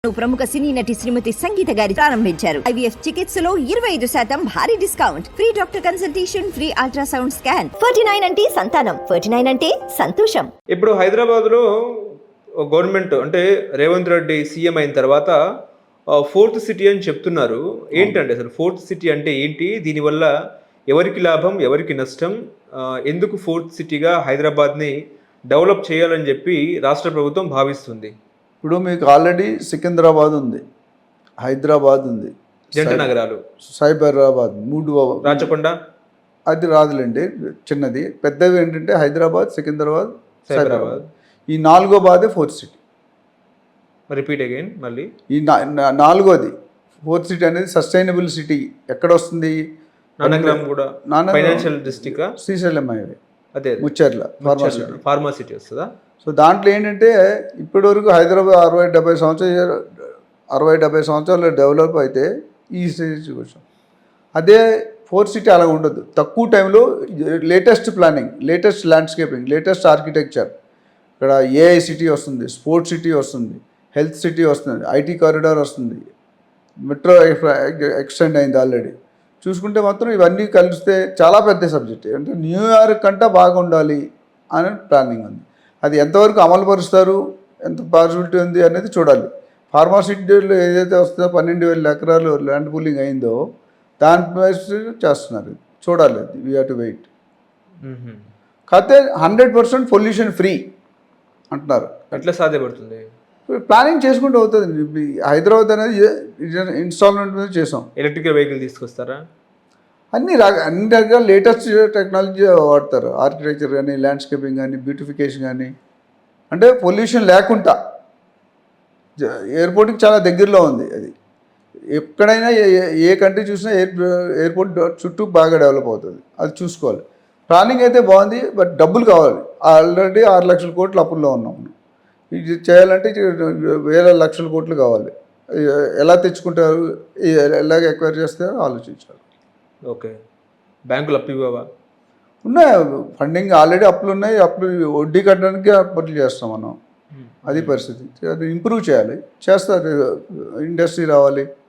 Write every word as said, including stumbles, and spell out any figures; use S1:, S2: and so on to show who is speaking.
S1: ప్రముఖ సినీ నటి శ్రీమతి సంగీత గారి ప్రారంభించారు. ఐవీఎఫ్ చికిత్సలో ఇరవై ఐదు శాతం భారీ discount, free doctor consultation, free ultrasound scan. Forty nine అంటే సంతానం, ఫార్టీ నైన్ అంటే సంతోషం.
S2: ఇప్పుడు హైదరాబాద్ లో గవర్నమెంట్ అంటే రేవంత్ రెడ్డి సీఎం అయిన తర్వాత ఫోర్త్ సిటీ అని చెప్తున్నారు. ఏంటంటే అసలు ఫోర్త్ సిటీ అంటే ఏంటి, దీనివల్ల ఎవరికి లాభం ఎవరికి నష్టం, ఎందుకు ఫోర్త్ సిటీగా హైదరాబాద్ని డెవలప్ చేయాలని చెప్పి రాష్ట్ర ప్రభుత్వం భావిస్తుంది?
S3: ఇప్పుడు మీకు ఆల్రెడీ సికింద్రాబాద్ ఉంది, హైదరాబాద్ ఉంది,
S2: జంట నగరాలు,
S3: సైబరాబాద్, మూడు,
S2: రాచకొండ
S3: అది రాదులేండి చిన్నది. పెద్దవి ఏంటంటే హైదరాబాద్, సికింద్రాబాద్, సైబరాబాద్. ఈ నాలుగో బాదే ఫోర్త్ సిటీ.
S2: రిపీట్ అగైన్ మళ్ళీ
S3: ఈ నాలుగోది ఫోర్త్ సిటీ అనేది సస్టైనబుల్ సిటీ ఎక్కడ వస్తుంది?
S2: నానక్రామ్ కూడా ఫైనాన్షియల్ డిస్ట్రిక్ట్,
S3: శ్రీశైలం హైవే,
S2: అదే
S3: ముచ్చర్ల
S2: ఫార్మా సిటీ వస్తుందా?
S3: సో దాంట్లో ఏంటంటే ఇప్పటి వరకు హైదరాబాద్ అరవై డెబ్బై సంవత్సరాలు అరవై డెబ్బై సంవత్సరాలు డెవలప్ అయితే ఈ స్టేజ్కి వచ్చాం. అదే ఫోర్త్ సిటీ అలా ఉండదు. తక్కువ టైంలో latest planning, latest landscaping, latest architecture. ఇక్కడ ఏఐ సిటీ వస్తుంది, స్పోర్ట్స్ సిటీ వస్తుంది, హెల్త్ సిటీ వస్తుంది, ఐటీ కారిడార్ వస్తుంది, మెట్రో ఎక్స్టెండ్ అయింది ఆల్రెడీ. చూసుకుంటే మాత్రం ఇవన్నీ కలిస్తే చాలా పెద్ద సబ్జెక్ట్. అంటే న్యూయార్క్ కంటే బాగుండాలి అనే ప్లానింగ్ ఉంది. అది ఎంతవరకు అమలు పరుస్తారు, ఎంత పాసిబిలిటీ ఉంది అనేది చూడాలి. ఫార్మాసిటీలో ఏదైతే వస్తుందో పన్నెండు వేల ఎకరాలు ల్యాండ్ పూలింగ్ అయిందో దాని చేస్తున్నారు, చూడాలి. We have to wait. కాకపోతే హండ్రెడ్ పర్సెంట్ పొల్యూషన్ ఫ్రీ అంటున్నారు.
S2: ఎట్లా సాధ్యపడుతుంది?
S3: ప్లానింగ్ చేసుకుంటూ అవుతుంది. హైదరాబాద్ అనేది ఇన్స్టాల్మెంట్ మీద చేసాం.
S2: ఎలక్ట్రికల్ వెహికల్ తీసుకొస్తారా?
S3: అన్ని రక అన్ని రకాల లేటెస్ట్ టెక్నాలజీ వాడతారు. ఆర్కిటెక్చర్ కానీ, ల్యాండ్స్కేపింగ్ కానీ, బ్యూటిఫికేషన్ కానీ. అంటే పొల్యూషన్ లేకుండా ఎయిర్పోర్ట్కి చాలా దగ్గరలో ఉంది. అది ఎక్కడైనా ఏ కంట్రీ చూసినా ఎయిర్ ఎయిర్పోర్ట్ చుట్టూ బాగా డెవలప్ అవుతుంది. అది చూసుకోవాలి. ప్లానింగ్ అయితే బాగుంది, బట్ డబ్బులు కావాలి. ఆల్రెడీ ఆరు లక్షల కోట్లు అప్పుల్లో ఉన్నాం. ఇది చేయాలంటే వేల లక్షల కోట్లు కావాలి. ఎలా తెచ్చుకుంటారు, ఎలాగ ఎక్వైర్ చేస్తారో ఆలోచించాలి.
S2: ఓకే, బ్యాంకులు అప్పు ఇవ్వవా?
S3: ఉన్నాయి, ఫండింగ్ ఆల్రెడీ అప్పులు ఉన్నాయి. అప్పులు వడ్డీ కట్టడానికి అప్పులు చేస్తాం మనం. అది పరిస్థితి. అది ఇంప్రూవ్ చేయాలి, చేస్తారు. ఇండస్ట్రీ రావాలి,